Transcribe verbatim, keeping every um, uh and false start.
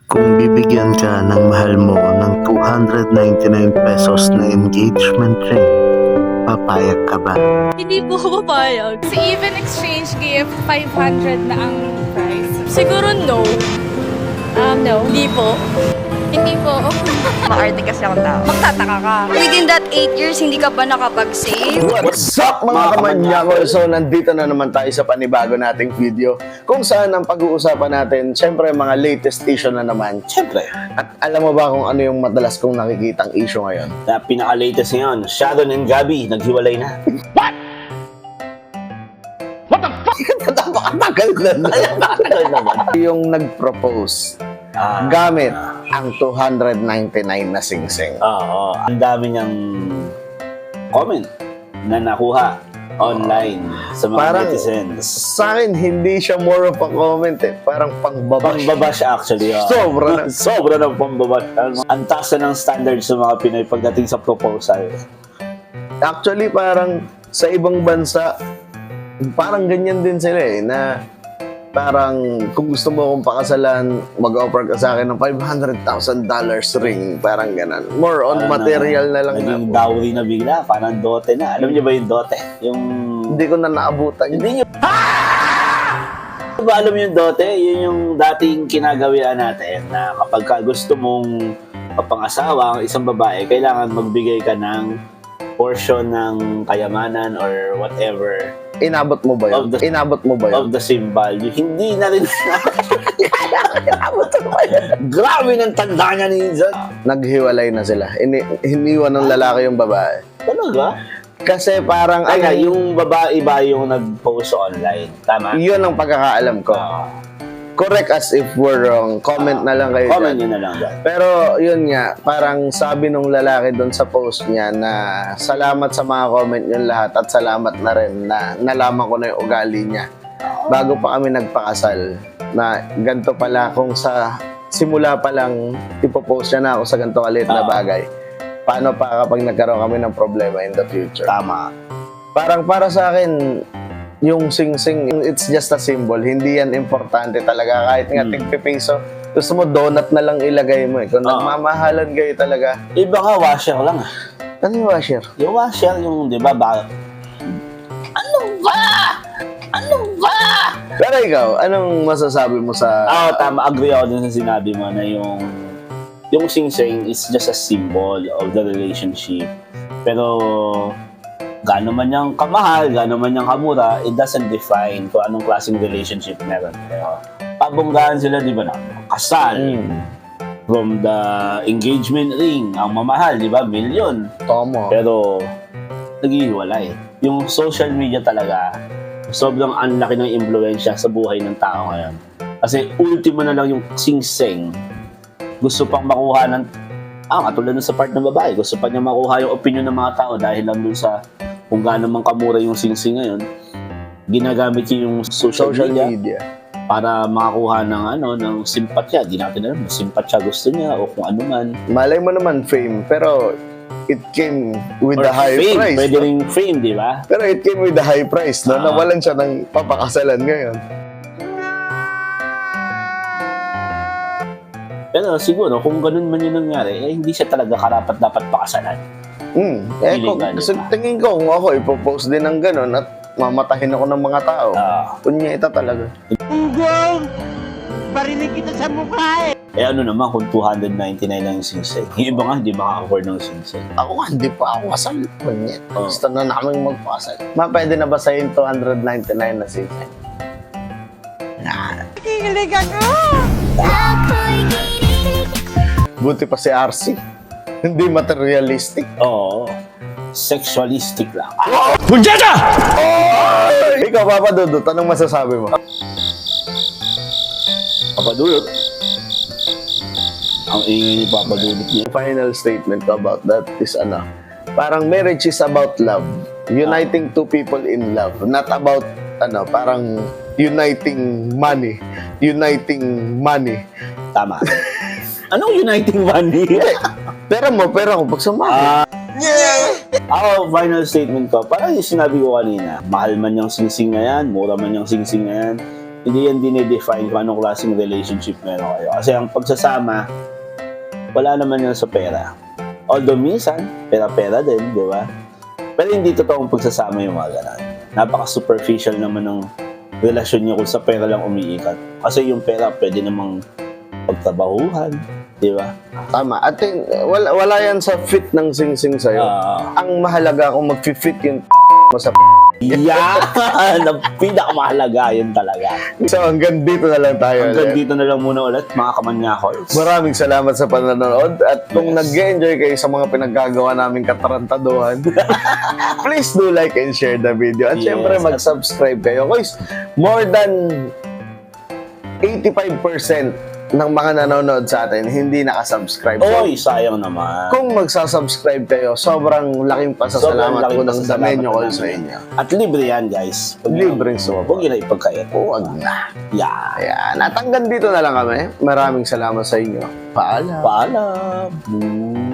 Kung bibigyan ka ng mahal mo ng two hundred ninety-nine pesos na engagement ring, papayag ka ba? Hindi po ako papayag. Si even exchange gift, five hundred na ang price. Siguro no. Um, no. Hindi po. Hindi po. Maarte kasi akong tao. Magtataka ka. Within that eight years, hindi ka ba nakapag-save? What's up mga kamanyako? So nandito na naman tayo sa panibago nating video kung saan ang pag-uusapan natin, syempre mga latest issue na naman. Siyempre, At alam mo ba kung ano yung madalas kong nakikitang issue ngayon? na pinaka-latest ngayon, Sharon and Gabby, naghiwalay na. Napakatagal na na. Nakatagal naman. Yung nag-propose Ah, gamit ang two hundred ninety-nine na singsing. Oo, ang dami niyang comment na nakuha online sa mga Parang netizens. sa akin, hindi siya more of a comment eh. Parang pangbabash. Pangbabash actually. Oh. Sobra na. Sobra ng pangbabash. Ang taas na ng standards sa mga Pinoy pagdating sa proposal. Actually, parang sa ibang bansa, parang ganyan din sila eh, na parang kung gusto mo akong pakasalan, mag-offer ka sa akin ng five hundred thousand dollars ring, parang ganan. More on Parang material na lang Naging na. dowry na bigla, parang dote na. Alam niyo ba yung dote? Yung... Hindi ko na naabutan yun. Hindi niyo... Ba alam yung dote? Yun yung dating kinagawian natin na kapag ka gusto mong mapangasawa ang isang babae, kailangan magbigay ka ng portion ng kayamanan or whatever Inabot mo ba yun? Of the- Inabot mo ba yun? of the same value. Hindi na rin inabot mo ba yun? Grabe ng tanda niya ni Inzan. Naghiwalay na sila. Ini hiniwan ng lalaki yung babae. Talaga? Kasi parang, Ay, ano, yung babae ba yung nag-post online? Tama? yun ang pagkakaalam ko. Oo. Correct us if we're wrong. Comment na lang kayo Comment dyan. nyo na lang dyan. Pero yun nga, parang sabi nung lalaki doon sa post niya na salamat sa mga comment yun lahat at salamat na rin na nalaman ko na yung ugali niya bago pa kami nagpakasal na ganito pala kung sa simula pa lang ipopost niya na ako sa ganito kalit na Oo. bagay. Paano pa kapag nagkaroon kami ng problema in the future? Tama. Parang para sa akin, yung sing-sing, it's just a symbol. Hindi yan importante talaga. Kahit nga Hmm. tigpipiso, gusto mo donut na lang ilagay mo eh. Kung Oo. nagmamahalan kayo talaga, Iba nga, washer lang ah. ano yung washer? Yung washer, yung, di ba, ba? Ano ba? Ano ba? Pero ikaw, anong masasabi mo sa... Ah, tama. Agree ako dun sa sinabi mo na yung yung sing-sing is just a symbol of the relationship. Pero gaano man niyang kamahal, gaano man niyang kamura, it doesn't define kung anong klaseng relationship meron. Pero pabonggaan sila, di ba na? Kasal. Mm, From the engagement ring, ang mamahal, di ba? Million. tama. Pero naghihiwalay. Yung social media talaga, sobrang anlaki ng impluensya sa buhay ng tao ngayon. Kasi ultimo na lang yung sing-sing. Gusto pang makuha ng, ah, katulad nun sa part ng babae, gusto pa niya makuha yung opinion ng mga tao dahil lang dun sa kung gaano man kamura yung sing-sing ngayon, ginagamit niya yung social, Social media, media. para makakuha ng ano ng simpatya. Di natin alam, simpatya gusto niya o kung ano man. Malay mo naman fame, pero it came with Or the high fame, price. pwede no? rin fame, di ba? Pero it came with the high price, no? Ah. Nawalan siya ng papakasalan ngayon. Pero siguro, kung ganun man yung nangyari, eh, hindi siya talaga karapat dapat pakasalan. Hmm. Eh, Feeling kung, ka, di sa ba? tingin ko, kung ako, ipopost din ng ganun at mamatahin ako ng mga tao. Ah, Punyeta talaga. eh ano naman kung two hundred ninety-nine lang yung singsay. Yung iba nga hindi makaka-afford ng singsay. Ako nga, hindi pa ako kasal. Punyet. Oh. Gusto na namin magpakasal. Ma, pwede na ba sa'yo yung two hundred ninety-nine na season? Buti pa si R C. Hindi materialistic. Oo. Sexualistic lang. Ikaw, Papa Dudut, anong masasabi mo? Papadulot. Ang ingay ni Papadulot niya. Final statement ko about that is ano, parang marriage is about love. Uniting two people in love. Not about, ano, parang uniting money. Uniting money. Tama. Anong uniting money? Pera mo, pera ko. Pag sumama. Ah, Ako, final statement ko, parang yung sinabi ko kanina, mahal man yung singsing na yan, mura man yung singsing na yan, hindi yan dinedefine kung anong klaseng relationship meron kayo. Kasi ang pagsasama, wala naman yan sa pera. Although minsan, pera-pera din, di ba? Pero hindi totoong pagsasama yung mga ganun. Napaka-superficial naman ng relasyon niyo kung sa pera lang umiikat. Kasi yung pera pwede namang pagtrabahuhan, di ba? Tama. At yun, wala, wala yan sa fit ng sing-sing sa'yo. Ah, Ang mahalaga kung mag-fit yung mo sa yan! Ang pinakamahalaga yun talaga. So hanggang dito na lang tayo. Hanggang ulit. dito na lang muna ulit, mga kamanyakos. Maraming salamat sa panonood at kung Yes. nag-enjoy kayo sa mga pinaggagawa naming katarantaduhan, please do like and share the video. At Yes. syempre mag-subscribe kayo. Guys, more than eighty-five percent ng mga nanonood sa atin hindi nakasubscribe. So, Oy, sayang naman. kung magsasubscribe kayo, sobrang laking pasasalamat laking ko ng pasasalamat damenyo ko namin. sa inyo. At libre yan, guys. Pag Libreng sumabot. Huwag nila ipagkait. Huwag na. Yeah. Ayan. At hanggang dito na lang kami. Maraming salamat sa inyo. Paalam. Paalam.